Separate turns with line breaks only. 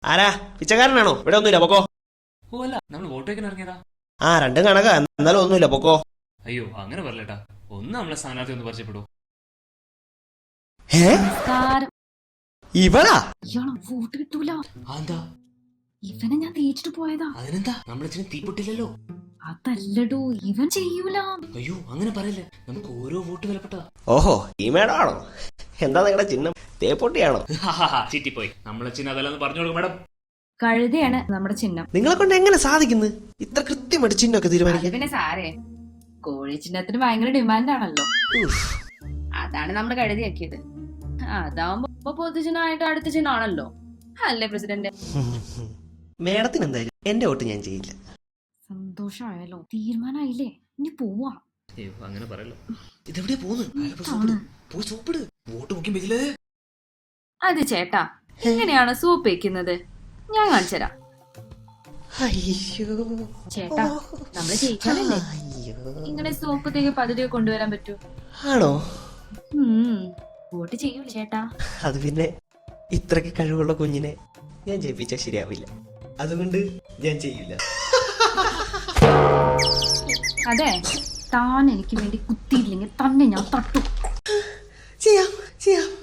ആരാ പിച്ചക്കാരനാണോ? ഇവിടെ ഒന്നുമില്ല, പൊക്കോ.
ഓ അല്ല, നമ്മൾ വോട്ട് വയ്ക്കാൻ ഇറങ്ങിയതാ.
ആ രണ്ടും കണക്കാ, എന്നാലും ഒന്നുമില്ല, പൊക്കോ.
അയ്യോ അങ്ങനെ പറയലേട്ടാ, ഒന്ന് നമ്മളെ സ്ഥാനാർത്ഥി ഒന്ന് പരിചയപ്പെടൂ.
ഇവളാ?
ഇയാളോ വോട്ട് കിട്ടൂല.
എന്താ?
ഇവനെ ഞാൻ തേച്ചിട്ട് പോയതാ.
അതിനെന്താ, നമ്മളെ തീപ്പൊട്ടില്ലല്ലോ.
അതല്ലടോ, ഇവൻ ചെയ്യൂല.
അയ്യോ അങ്ങനെ പറയല്ലേ, നമുക്ക് ഓരോ വോട്ട് വിലപ്പെട്ടതാ.
ഓഹോ, ഈ മേഡം ആണോ? എന്താ നിങ്ങളുടെ ചിഹ്നം? തേപ്പൊട്ടിയാണോ?
ചീറ്റിപ്പോയി. നമ്മളെ ചിഹ്നം അതല്ലെന്ന് പറഞ്ഞു കൊടുക്കും മേഡം.
കഴുതയാണ് നമ്മുടെ ചിഹ്നം.
നിങ്ങളെ കൊണ്ട് എങ്ങനെ സാധിക്കുന്നു ഇത്ര കൃത്യമായിട്ട് ചിഹ്നമൊക്കെ തീരുമാനിക്കാൻ?
പിന്നെ സാരേ, കോഴി ചിഹ്നത്തിന് ഭയങ്കര ഡിമാൻഡ് ആണല്ലോ. അതാണ് നമ്മുടെ കഴുതിയാക്കിയത്. അതാവുമ്പോ പൊതുചിഹ്നമായിട്ട് അടുത്ത ചിഹ്നമാണല്ലോ, അല്ലേ പ്രസിഡന്റ്?
മേഡത്തിന് എന്തായാലും എന്റെ വോട്ട് ഞാൻ ചെയ്യില്ല.
സന്തോഷമായല്ലോ, തീരുമാനമായില്ലേ, ഇനി പോവാ.
അയ്യോ അങ്ങനെ പറയല്ലോ. ഇതെവിടെയാ പോകുന്നത്? വോട്ട് മുക്കില്ലേ?
അത് ചേട്ടാ, എങ്ങനെയാണ് സൂപ്പ് വെക്കുന്നത് ഞാൻ കാണിച്ചുതരാം. ചേട്ടാ, നമ്മള് ജയിച്ചാലല്ലേ ഇങ്ങനെ സോപ്പത്തേക്ക് പദ്ധതിയൊക്കെ കൊണ്ടുവരാൻ പറ്റൂ.
ആണോ?
വോട്ട് ചെയ്യൂല ചേട്ടാ.
അത് പിന്നെ ഇത്രക്ക് കഴിവുള്ള കുഞ്ഞിനെ ഞാൻ ജയിപ്പിച്ചാൽ ശരിയാവില്ല, അതുകൊണ്ട് ഞാൻ ചെയ്യില്ല.
അതെ, താൻ എനിക്ക് വേണ്ടി കുത്തിയില്ലെങ്കിൽ തന്നെ ഞാൻ തട്ടു.
ചെയ്യാം ചെയ്യാം.